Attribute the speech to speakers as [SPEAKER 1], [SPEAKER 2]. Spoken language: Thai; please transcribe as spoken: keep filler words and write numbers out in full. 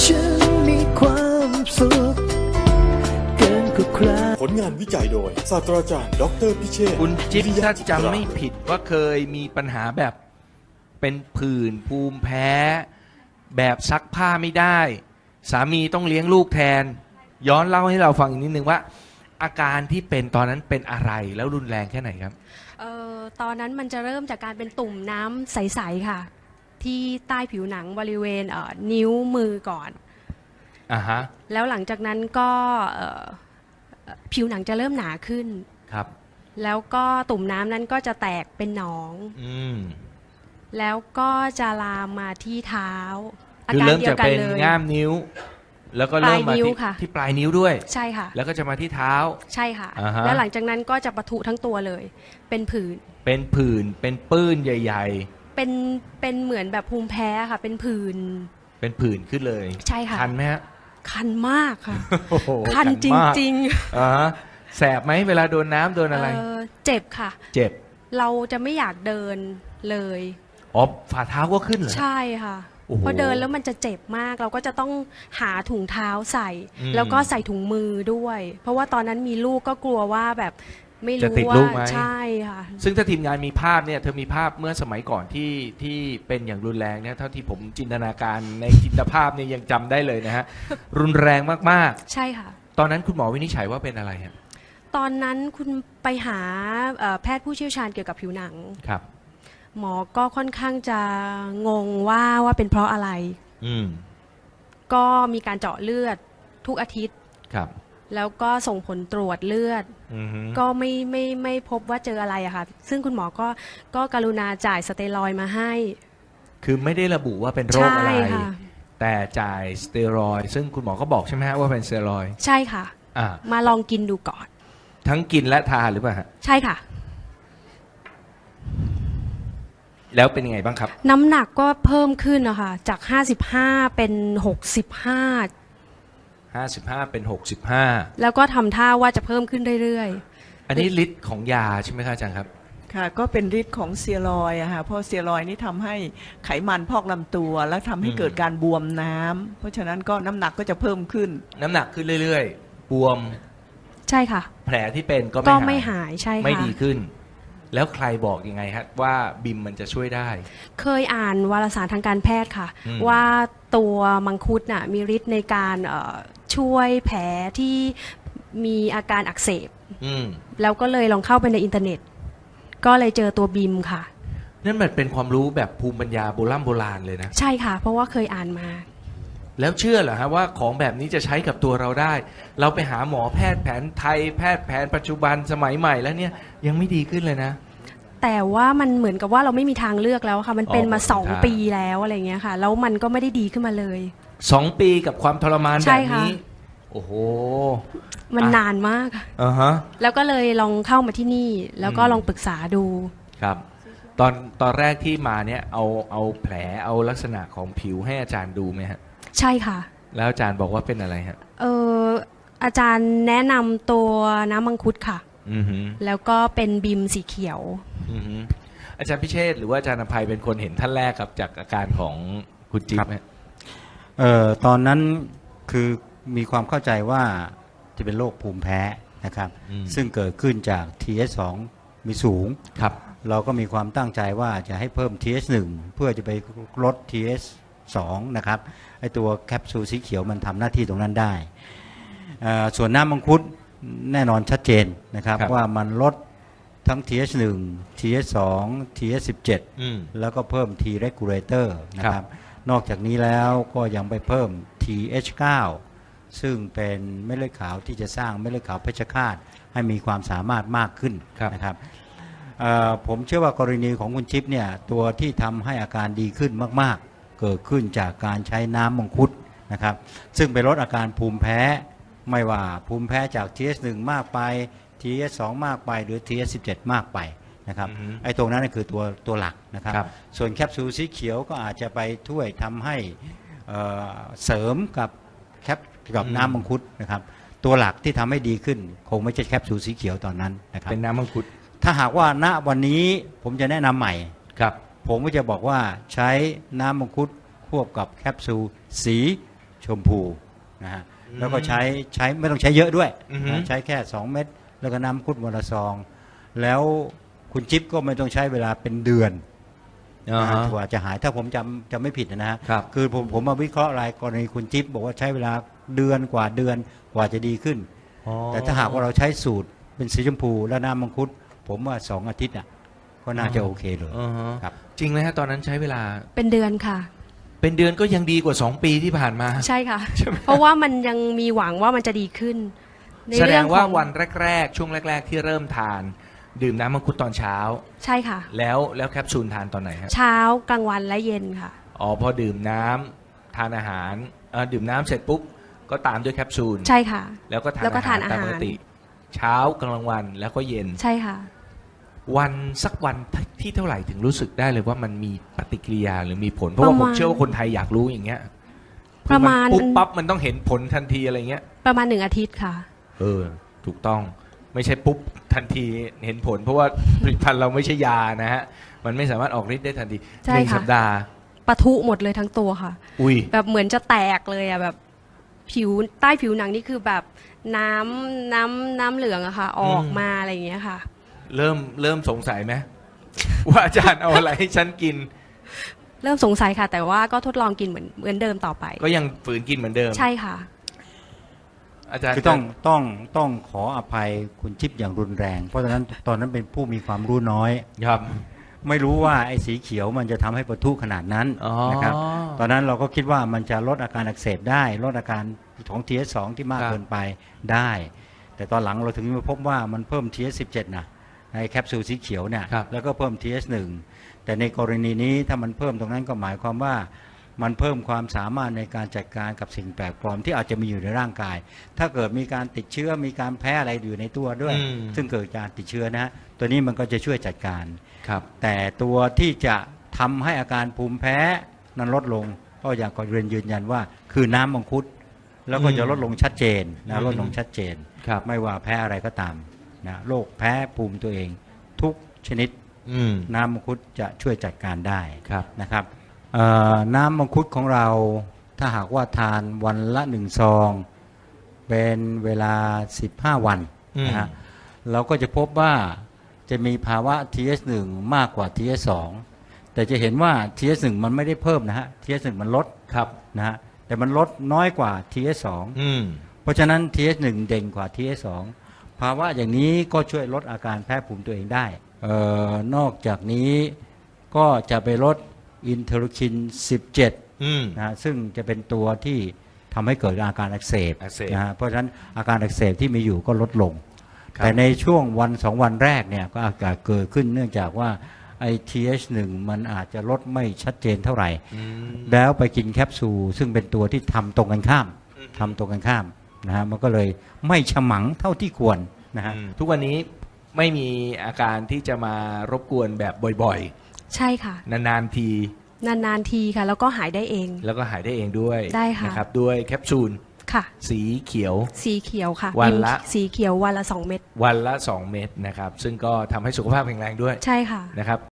[SPEAKER 1] ฉันมีความสุขเกินกว่าใคร
[SPEAKER 2] ผลงานวิจัยโดยศาสตราจารย์ดรพิเชษฐ์
[SPEAKER 3] คุณจิ๊บ
[SPEAKER 2] วิริยะ
[SPEAKER 3] ถ้า
[SPEAKER 2] จิตรา
[SPEAKER 3] จำไม่ผิดว่าเคยมีปัญหาแบบเป็นผื่นภูมิแพ้ แบบซักผ้าไม่ได้ สามีต้องเลี้ยงลูกแทน ย้อนเล่าให้เราฟังอีกนิดนึงว่า อาการที่เป็นตอนนั้นเป็นอะไรแล้วรุนแรงแค่ไหนครับ
[SPEAKER 4] เอ่อตอนนั้นมันจะเริ่มจากการเป็นตุ่มน้ำใสๆค่ะ ที่ใต้ผิวหนังบริเวณเอ่อนิ้วมือก่อน
[SPEAKER 3] อ่าฮะ
[SPEAKER 4] แล้วหลังจากนั้นก็เอ่อผิวหนังจะเริ่มหนาขึ้น
[SPEAKER 3] ครับ
[SPEAKER 4] แล้วก็ตุ่มน้ำนั้นก็จะแตกเป็นหนอง
[SPEAKER 3] อืม
[SPEAKER 4] แล้วก็จะลามมาที่เท้า อา
[SPEAKER 3] คือ
[SPEAKER 4] การ
[SPEAKER 3] เริ่ม
[SPEAKER 4] เดีย
[SPEAKER 3] จาก
[SPEAKER 4] วกัน
[SPEAKER 3] เป็น
[SPEAKER 4] เลย
[SPEAKER 3] ง่ามนิ้ว แล้วก็เริ่มมา
[SPEAKER 4] ปลายนิ้ว
[SPEAKER 3] ที่
[SPEAKER 4] ค่ะ
[SPEAKER 3] ที่ปลายนิ้วด้วย
[SPEAKER 4] ใช่ค่ะ
[SPEAKER 3] แล้วก็จะมาที่เท้า
[SPEAKER 4] ใช่ค่ะ
[SPEAKER 3] อ่าฮะ
[SPEAKER 4] แล้วหลังจากนั้นก็จะปะทุทั้งตัวเลย เป็นผื่น
[SPEAKER 3] เป็นผื่นเป็นปื้นใหญ่
[SPEAKER 4] เป็นเป็นเหมือนแบบภูมิแพ้ค่ะ เป็นผื่น
[SPEAKER 3] ๆ เป็นผื่นขึ้นเลย
[SPEAKER 4] ใช่ค่ะ
[SPEAKER 3] คันไหมฮะ
[SPEAKER 4] คันมากค่ะ
[SPEAKER 3] โอ้โห
[SPEAKER 4] คันจ
[SPEAKER 3] มาก
[SPEAKER 4] ริง
[SPEAKER 3] อ่าฮะแสบไหมเวลาโดนน้ำโดน
[SPEAKER 4] ๆ
[SPEAKER 3] อะไร
[SPEAKER 4] เอ่อเจ็บค่ะ
[SPEAKER 3] เจ็บ
[SPEAKER 4] เราจะไม่อยากเดินเลย
[SPEAKER 3] อ๋อฝ่าเท้าก็ขึ้นเหรอ
[SPEAKER 4] ใช่ค่ะ
[SPEAKER 3] โอ้โห
[SPEAKER 4] พอเดินแล้วมันจะเจ็บมาก เราก็จะต้องหาถุงเท้าใส่
[SPEAKER 3] อืม
[SPEAKER 4] แล้วก็ใส่ถุงมือด้วย เพราะว่าตอนนั้นมีลูกก็กลัวว่าแบบไม่
[SPEAKER 3] จะ
[SPEAKER 4] รู้
[SPEAKER 3] ติด
[SPEAKER 4] ว่า
[SPEAKER 3] ลูกไหม
[SPEAKER 4] ใช่ค่ะ
[SPEAKER 3] ซึ่งถ้าทีมงานมีภาพเนี่ยเธอมีภาพเมื่อสมัยก่อนที่ที่เป็นอย่างรุนแรงเนี่ยเท่าที่ผมจินตนาการในจินตภาพเนี่ยยังจำได้เลยนะฮะ รุนแรงมาก
[SPEAKER 4] ใช่ค่ะ
[SPEAKER 3] ๆ ตอนนั้นคุณหมอวินิจฉัยว่าเป็นอะไรฮะ
[SPEAKER 4] ตอนนั้นคุณไปหาเอ่อแพทย์ผู้เชี่ยวชาญเกี่ยวกับผิวหนัง
[SPEAKER 3] ครับ
[SPEAKER 4] หมอก็ค่อนข้างจะงงว่าว่าเป็นเพราะอะไร
[SPEAKER 3] อืม
[SPEAKER 4] ก็มีการเจาะเลือดทุกอาทิตย์
[SPEAKER 3] ครับ
[SPEAKER 4] แล้วก็ส่งผลตรวจเลือด
[SPEAKER 3] อือฮึ
[SPEAKER 4] ก็ไม่ไม่ไม่พบว่าเจออะไรอะค่ะ ซึ่งคุณหมอก็ก็กรุณาจ่ายสเตียรอยด์มาให้
[SPEAKER 3] คือไม่ได้ระบุว่าเป็นโรคอะไร
[SPEAKER 4] ใช่ค่ะ
[SPEAKER 3] แต่จ่ายสเตียรอยด์ซึ่งคุณหมอก็บอกใช่ไหมฮะว่าเป็นสเตียรอยด์
[SPEAKER 4] ใช่ค่ะ
[SPEAKER 3] อ่า
[SPEAKER 4] มาลองกินดูก่อน
[SPEAKER 3] ทั้งกินและทานหรือเปล่าฮะ
[SPEAKER 4] ใช่ค่ะ
[SPEAKER 3] แล้วเป็นยังไงบ้างครับ
[SPEAKER 4] น้ำหนักก็เพิ่มขึ้นนะคะจากห้าสิบห้าเป็นหกสิบห้า
[SPEAKER 3] ห้าสิบห้าเป็นหกสิบห้า
[SPEAKER 4] แล้วก็ทำท่าว่าจะเพิ่มขึ้นเรื่อย
[SPEAKER 3] อันนี้ฤทธิ์ของยาใช่ไหมครับอาจารย์ครับ
[SPEAKER 5] ค่ะก็เป็นฤทธิ์ของสเตียรอยด์อะค่ะเพราะสเตียรอยด์นี่ทำให้ไขมันพอกลำตัว และทำให้
[SPEAKER 3] อืม
[SPEAKER 5] เกิดการบวมน้ำเพราะฉะนั้นก็น้ำหนักก็จะเพิ่มขึ้น
[SPEAKER 3] น้ำหนักขึ้นเรื่อยๆ บวม
[SPEAKER 4] ๆ ใช่ค่ะ
[SPEAKER 3] แผลที่เป็นก็
[SPEAKER 4] ก็
[SPEAKER 3] ไม่
[SPEAKER 4] ไม่
[SPEAKER 3] หาย
[SPEAKER 4] หายใช่ค่ะ
[SPEAKER 3] ไม่ดีขึ้น แล้วใครบอกยังไงฮะว่าบิมมันจะช่วยได้
[SPEAKER 4] เคยอ่านวารสารทางการแพทย์ค่ะ
[SPEAKER 3] อืม
[SPEAKER 4] ว่าตัวมังคุดน่ะมีฤทธิ์ในการเอ่อช่วยแผลที่มีอาการอักเสบ
[SPEAKER 3] อืม
[SPEAKER 4] แล้วก็เลยลองเข้าไปในอินเทอร์เน็ต ก็เลยเจอตัวบิมค่ะ
[SPEAKER 3] นั่นมันเป็นความรู้แบบภูมิปัญญาโบราณโบราณเลยนะ
[SPEAKER 4] ใช่ค่ะ เพราะว่าเคยอ่านมา
[SPEAKER 3] แล้วเชื่อเหรอฮะว่าของแบบนี้จะใช้กับตัวเราได้ เราไปหาหมอแพทย์แผนไทยแพทย์แผนปัจจุบันสมัยใหม่แล้วเนี่ยยังไม่ดีขึ้นเลยนะ
[SPEAKER 4] แต่ว่ามันเหมือนกับว่าเราไม่มีทางเลือกแล้วค่ะ มันเป็นมา
[SPEAKER 3] อ๋อ
[SPEAKER 4] สอง
[SPEAKER 3] ครับ
[SPEAKER 4] ปีแล้วอะไรเงี้ยค่ะ แล้วมันก็ไม่ได้ดีขึ้นมาเลย
[SPEAKER 3] สองปีกับความทรมาน
[SPEAKER 4] ใช่
[SPEAKER 3] แบบ
[SPEAKER 4] ค่ะ
[SPEAKER 3] นี้ โอ้โห
[SPEAKER 4] มัน
[SPEAKER 3] อ่ะ
[SPEAKER 4] นานมากค่ะ
[SPEAKER 3] อ่าฮะ
[SPEAKER 4] แล้วก็เลยลองเข้ามาที่นี่ แล้วก็
[SPEAKER 3] อืม
[SPEAKER 4] ลองปรึกษาดู
[SPEAKER 3] ครับ ตอนตอนแรกที่มาเนี่ยเอาเอาแผลเอาลักษณะของผิวให้อาจารย์ดูไหมฮะ
[SPEAKER 4] ใช่ค่ะ
[SPEAKER 3] แล้วอาจารย์บอกว่าเป็นอะไรฮะ
[SPEAKER 4] เอออาจารย์แนะนำตัวน้ำมังคุดค่ะ
[SPEAKER 3] อือหือ
[SPEAKER 4] แล้วก็เป็นบิมสีเขียว
[SPEAKER 3] อือหืออาจารย์พิเชษฐ์หรือว่าอาจารย์อภัยเป็นคนเห็นท่านแรกครับจากอาการของคุณจิ๊บฮะ
[SPEAKER 6] เอ่อตอนนั้นคือมีความเข้าใจว่าจะเป็นโรคภูมิแพ้นะครับ
[SPEAKER 3] อืม
[SPEAKER 6] ซึ่งเกิดขึ้นจาก ที เอส สอง มีสูง
[SPEAKER 3] ครับ
[SPEAKER 6] เราก็มีความตั้งใจว่าจะให้เพิ่ม ที เอส หนึ่ง เพื่อจะไปลด ที เอส สอง นะครับไอตัวแคปซูลสีเขียวมันทำหน้าที่ตรงนั้นได้เอ่อส่วนน้ำมังคุดแน่นอนชัดเจนนะครับ
[SPEAKER 3] ครับ
[SPEAKER 6] ว่ามันลดทั้ง ที เอส หนึ่ง ที เอส สอง ที เอส สิบเจ็ด
[SPEAKER 3] อืม
[SPEAKER 6] แล้วก็เพิ่ม T regulator นะค
[SPEAKER 3] ครั
[SPEAKER 6] รับ บ นอกจากนี้แล้วก็ยังไปเพิ่ม ที เอช ไนน์ ซึ่งเป็นเม็ดเลือดขาวที่จะสร้างเม็ดเลือดขาวเพชฌฆาตให้มีความสามารถมากขึ้น
[SPEAKER 3] ครับ
[SPEAKER 6] นะครับเอ่อผมเชื่อว่ากรณีของคุณชิปเนี่ยตัวที่ทำให้อาการดีขึ้นมากๆ เกิดขึ้นจากการใช้น้ำมังคุดนะครับ ซึ่งไปลดอาการภูมิแพ้ไม่ว่าภูมิแพ้จาก ที เอส หนึ่ง มากไป ที เอส สอง มากไปหรือ ที เอส สิบเจ็ด มากไปนะครับ
[SPEAKER 3] อือฮึ
[SPEAKER 6] ไอ้ตรงนั้นนะคือตัวตัวหลักนะครับ
[SPEAKER 3] ครับ
[SPEAKER 6] ส่วนแคปซูลสีเขียวก็อาจจะไปช่วยทำให้เอ่อเสริมกับแคปกับ
[SPEAKER 3] อืม
[SPEAKER 6] น้ำมังคุดนะครับ ตัวหลักที่ทำให้ดีขึ้น คงไม่ใช่แคปซูลสีเขียวตอนนั้นนะครับ
[SPEAKER 3] เป็นน้ำมังคุด
[SPEAKER 6] ถ้าหากว่าณวันนี้ผมจะแนะนำใหม่
[SPEAKER 3] ครับ
[SPEAKER 6] ผมก็จะบอกว่าใช้น้ำมังคุดควบกับแคปซูลสีชมพูนะฮะแล้วก็ใช้ใช้ไม่ต้องใช้เยอะด้วย
[SPEAKER 3] อือฮึ
[SPEAKER 6] นะใช้แค่สองเม็ดแล้วก็น้ำมังคุดวันละซองแล้วคุณจิ๊บก็ไม่ต้องใช้เวลาเป็นเดือน
[SPEAKER 3] อ่าฮะ
[SPEAKER 6] กว่าจะหายถ้าผมจำจำไม่ผิดนะฮะ
[SPEAKER 3] ครับ
[SPEAKER 6] คือผมผมมาวิเคราะห์รายกรณีคุณจิ๊บบอกว่าใช้เวลาเดือนกว่าเดือนกว่าจะดีขึ้น
[SPEAKER 3] อ๋อ
[SPEAKER 6] แต่ถ้าหากว่าเราใช้สูตรเป็นสีชมพูและน้ำมังคุดผมว่าสองอาทิตย์อ่ะก็น่าจะโอเคเลย
[SPEAKER 3] อ่าฮะ
[SPEAKER 6] ครับ
[SPEAKER 3] จริงไหมฮะตอนนั้นใช้เวลา
[SPEAKER 4] เป็นเดือนค่ะ
[SPEAKER 3] เป็นเดือนก็ยังดีกว่าสองปีที่ผ่านมา
[SPEAKER 4] ใช่ค่ะ เพราะว่ามันยังมีหวังว่ามันจะดีขึ้น ใน
[SPEAKER 3] แสด
[SPEAKER 4] เรื่อง ง
[SPEAKER 3] ว่า
[SPEAKER 4] ของ
[SPEAKER 3] วันแรกๆ ช่วงแรก ๆ ที่เริ่มทาน ดื่มน้ำมังคุดตอนเช้า
[SPEAKER 4] ใช่ค่ะ
[SPEAKER 3] แล้วแล้วแคปซูลทานตอนไหนฮะ
[SPEAKER 4] เช้ากลางวันและเย็นค่ะ
[SPEAKER 3] อ๋อพอดื่มน้ำทานอาหารเอ่อดื่มน้ำเสร็จปุ๊บก็ตามด้วยแคปซูล
[SPEAKER 4] ใช่ค่ะ
[SPEAKER 3] แล้วก็ทาน
[SPEAKER 4] แล้วก็
[SPEAKER 3] อาหาร
[SPEAKER 4] ทานอา
[SPEAKER 3] ตาม
[SPEAKER 4] หาร
[SPEAKER 3] ปกติ เช้ากลางวันแล้วก็เย็น
[SPEAKER 4] ใช่ค่ะ
[SPEAKER 3] วันสักวันที่เท่าไหร่ถึงรู้สึกได้เลยว่ามันมีปฏิกิริยาหรือมีผล เพราะว่า
[SPEAKER 4] ประ
[SPEAKER 3] ผม
[SPEAKER 4] มาณ
[SPEAKER 3] เชื่อว่าคนไทยอยากรู้อย่างเงี้ย
[SPEAKER 4] ประมาณ
[SPEAKER 3] คือปุ๊บปั๊บมันต้องเห็นผลทันทีอะไรเงี้ย
[SPEAKER 4] ประมาณหนึ่งอาทิตย์ค่ะ
[SPEAKER 3] เออ ถูกต้องไม่ใช่ปุ๊บทันทีเห็นผล เพราะว่าผลิตภัณฑ์เราไม่ใช่ยานะฮะ มันไม่สามารถออกฤทธิ์ได้ทันที
[SPEAKER 4] ใช่
[SPEAKER 3] หนึ่ง
[SPEAKER 4] ค่ะ
[SPEAKER 3] สัปดาห์
[SPEAKER 4] ปะทุหมดเลยทั้งตัวค่ะ
[SPEAKER 3] อุ้ย
[SPEAKER 4] แบบเหมือนจะแตกเลยอะแบบผิวใต้ผิวหนังนี่คือแบบน้ำน้ำน้ำเหลืองอะค่ะ ออกมาอะไรอย่างเงี้ยค่ะ
[SPEAKER 3] เริ่มเริ่มสงสัยไหม ว่าอาจารย์เอาอะไรให้ฉันกิน
[SPEAKER 4] เริ่มสงสัยค่ะ แต่ว่าก็ทดลองกินเหมือนเหมือนเดิมต่อไป
[SPEAKER 3] ก็ยังฝืนกินเหมือนเดิม
[SPEAKER 4] ใช่ค่ะ
[SPEAKER 3] อาจารย์
[SPEAKER 6] คือต้องต้องต้องขออภัยคุณจิ๊บอย่างรุนแรง เพราะฉะนั้นตอนนั้นเป็นผู้มีความรู้น้อย
[SPEAKER 3] ครับ
[SPEAKER 6] ไม่รู้ว่าไอ้สีเขียวมันจะทำให้ปะทุขนาดนั้น
[SPEAKER 3] อ๋อ
[SPEAKER 6] นะครับ ตอนนั้นเราก็คิดว่ามันจะลดอาการอักเสบได้ ลดอาการของ ที เอส สอง ที่มาก
[SPEAKER 3] ครับ
[SPEAKER 6] เกินไปได้ แต่ตอนหลังเราถึงมาพบว่ามันเพิ่ม ที เอส สิบเจ็ด นะในแคปซูลสีเขียวเนี่ย
[SPEAKER 3] ครับ
[SPEAKER 6] แล้วก็เพิ่ม ที เอส หนึ่ง แต่ในกรณีนี้ถ้ามันเพิ่มตรงนั้นก็หมายความว่ามันเพิ่มความสามารถในการจัดการกับสิ่งแปลกปลอมที่อาจจะมีอยู่ในร่างกาย ถ้าเกิดมีการติดเชื้อมีการแพ้อะไรอยู่ในตัวด้วย
[SPEAKER 3] อืม
[SPEAKER 6] ซึ่งเกิดการติดเชื้อนะฮะตัวนี้มันก็จะช่วยจัดการ
[SPEAKER 3] ครับ
[SPEAKER 6] แต่ตัวที่จะทำให้อาการภูมิแพ้นั้นลดลงก็อยากขอเรียนยืนยันว่าคือน้ำมังคุด แล้วก็จะลดลงชัดเจน
[SPEAKER 3] อื
[SPEAKER 6] นะ
[SPEAKER 3] ม
[SPEAKER 6] ลดลงชัดเจน
[SPEAKER 3] ครับ
[SPEAKER 6] ไม่ว่าแพ้อะไรก็ตามนะโรคแพ้ภูมิตัวเอง ทุกชนิด
[SPEAKER 3] อืม
[SPEAKER 6] น้ำมังคุดจะช่วยจัดการได้
[SPEAKER 3] ครับ
[SPEAKER 6] นะครับเอ่อน้ำมังคุดของเราถ้าหากว่าทานวันละหนึ่งซอง เป็นเวลาสิบห้าวันนะฮะเราก็จะพบว่าจะมีภาวะ ที เอส หนึ่ง มากกว่า ที เอส สอง แต่จะเห็นว่า ที เอส หนึ่ง มันไม่ได้เพิ่มนะฮะ ที เอส หนึ่ง มันลด
[SPEAKER 3] ครับ
[SPEAKER 6] นะฮะแต่มันลดน้อยกว่า ที เอส สอง
[SPEAKER 3] อืม
[SPEAKER 6] เพราะฉะนั้น ที เอส หนึ่ง เด่นกว่า ที เอส สอง ภาวะอย่างนี้ก็ช่วยลดอาการแพ้ภูมิตัวเองได้เอ่อนอกจากนี้ก็จะไปลดอินเทอร์คิน สิบเจ็ด
[SPEAKER 3] อืม
[SPEAKER 6] นะฮะซึ่งจะเป็นตัวที่ทำให้เกิดอาการอักเสบ
[SPEAKER 3] อักเสบ
[SPEAKER 6] นะฮะเพราะฉะนั้นอาการอักเสบที่มีอยู่ก็ลดลง
[SPEAKER 3] ครับ
[SPEAKER 6] แต่ในช่วงวันสองวันแรกเนี่ยก็อาจจะเกิดขึ้นเนื่องจากว่าไอ ที เอช หนึ่ง มันอาจจะลดไม่ชัดเจนเท่าไหร่
[SPEAKER 3] อืม
[SPEAKER 6] แล้วไปกินแคปซูลซึ่งเป็นตัวที่ทำตรงกันข้ามทำตรงกันข้ามนะฮะมันก็เลยไม่ฉมังเท่าที่ควรนะฮะ
[SPEAKER 3] อืมทุกวันนี้ไม่มีอาการที่จะมารบกวนแบบบ่อย
[SPEAKER 4] ใช่ค่ะ
[SPEAKER 3] ๆ นานๆที
[SPEAKER 4] นานๆทีค่ะ แล้วก็หายได้เอง
[SPEAKER 3] แล้วก็หายได้เองด้วย
[SPEAKER 4] ได้ค่ะ
[SPEAKER 3] นะครับด้วยแคปซูล
[SPEAKER 4] ค่ะ
[SPEAKER 3] สีเขียว
[SPEAKER 4] สีเขียวค่ะ
[SPEAKER 3] วันละ
[SPEAKER 4] บิมสีเขียววันละสองเม็ด
[SPEAKER 3] วันละสองเม็ดนะครับ ซึ่งก็ทำให้สุขภาพแข็งแรงด้วย
[SPEAKER 4] ใช่ค่ะ
[SPEAKER 3] นะครับ